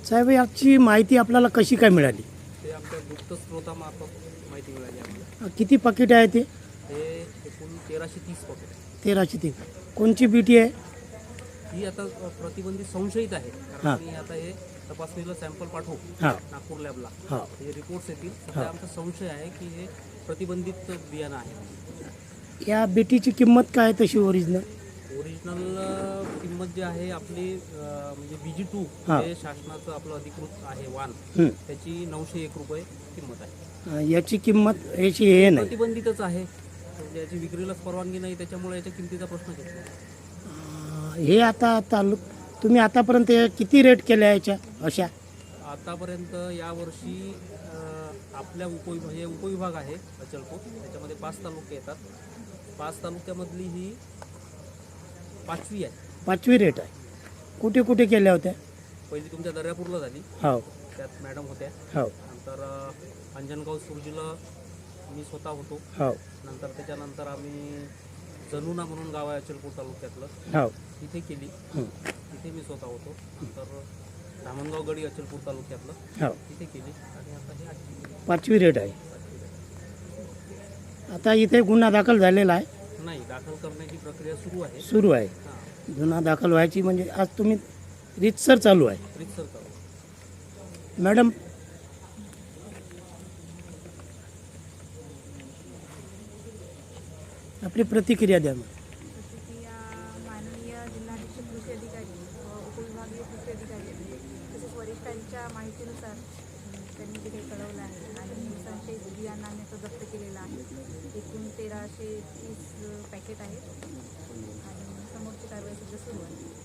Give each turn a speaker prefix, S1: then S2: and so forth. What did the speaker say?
S1: साहेब, याची माहिती आपल्याला कशी काय मिळाली?
S2: ते आमच्या गुप्त स्रोतामार्फत माहिती मिळाली आम्हाला.
S1: किती पाकिट आहे ते?
S2: हे एकूण 1330 पॉकेट आहे.
S1: 1330. कोणची बीटी आहे?
S2: ही आता प्रतिबंधित संशयित आहे,
S1: हां.
S2: कारण मी आता हे तपासणीला सॅम्पल पाठवू
S1: हां
S2: नागपूर लॅबला.
S1: हां.
S2: हे रिपोर्ट्स येतील. सध्या आमचा संशय आहे की हे प्रतिबंधित बियाणं आहे.
S1: या बीटीची किंमत काय तशी ओरिजिनल?
S2: ओरिजिनल किंमत जी आहे आपली म्हणजे BG2
S1: हां.
S2: हे शासनाचं आपलं अधिकृत आहे वाण,
S1: हं.
S2: त्याची 901 रुपये किंमत आहे.
S1: याची किंमत याची हे नाही.
S2: प्रतिबंधितच आहे, म्हणजे याची विक्रीलाच परवानगी नाही, त्याच्यामुळे याच्या किमतीचा प्रश्न येतो.
S1: हे आता तुम्ही आतापर्यंत किती रेट केल्या याच्या अशा?
S2: आतापर्यंत यावर्षी आपल्या हे उपविभाग आहे अचलपूर, त्याच्यामध्ये 5 तालुके येतात. 5 तालुक्यामधली ही 5वी आहे.
S1: 5वी रेट आहे. कुठे कुठे केल्या होत्या?
S2: पहिली तुमच्या दर्यापूरला झाली,
S1: हो
S2: त्यात मॅडम होत्या.
S1: हो
S2: नंतर अंजनगाव सुरजीला मी स्वतः होतो.
S1: हो
S2: नंतर त्याच्यानंतर आम्ही जनुना म्हणून गाव आहे अचलपूर तालुक्यातलं,
S1: हो.
S2: तिथे केली.
S1: हं.
S2: तिथे मी स्वतः होतो. नंतर धामणगाव गडी अचलपूर तालुक्यातलं,
S1: हो.
S2: तिथे केली. आणि आता हे 8वी
S1: 5वी रेट आहे. आता इथे गुन्हा दाखल झालेला आहे.
S2: नाही, दाखल करण्याची प्रक्रिया सुरू आहे.
S1: सुरू आहे.
S2: हां,
S1: गुन्हा दाखल व्हायची म्हणजे आज तुम्ही रीतसर चालू आहे.
S2: रितसर चालू.
S1: मॅडम, आपली प्रतिक्रिया द्या.
S3: प्रतिक्रिया माननीय जिल्हाधीश कृषी अधिकारी व उपविभागीय कृषी अधिकारी तसेच वरिष्ठांच्या माहितीनुसार त्यांनी जे काही कळवलं आहे आणि संशयित बियाणाने तो जप्त केलेला आहे. एकूण 1330 पॅकेट आहेत आणि समोरची कारवाई सुद्धा सुरू आहे.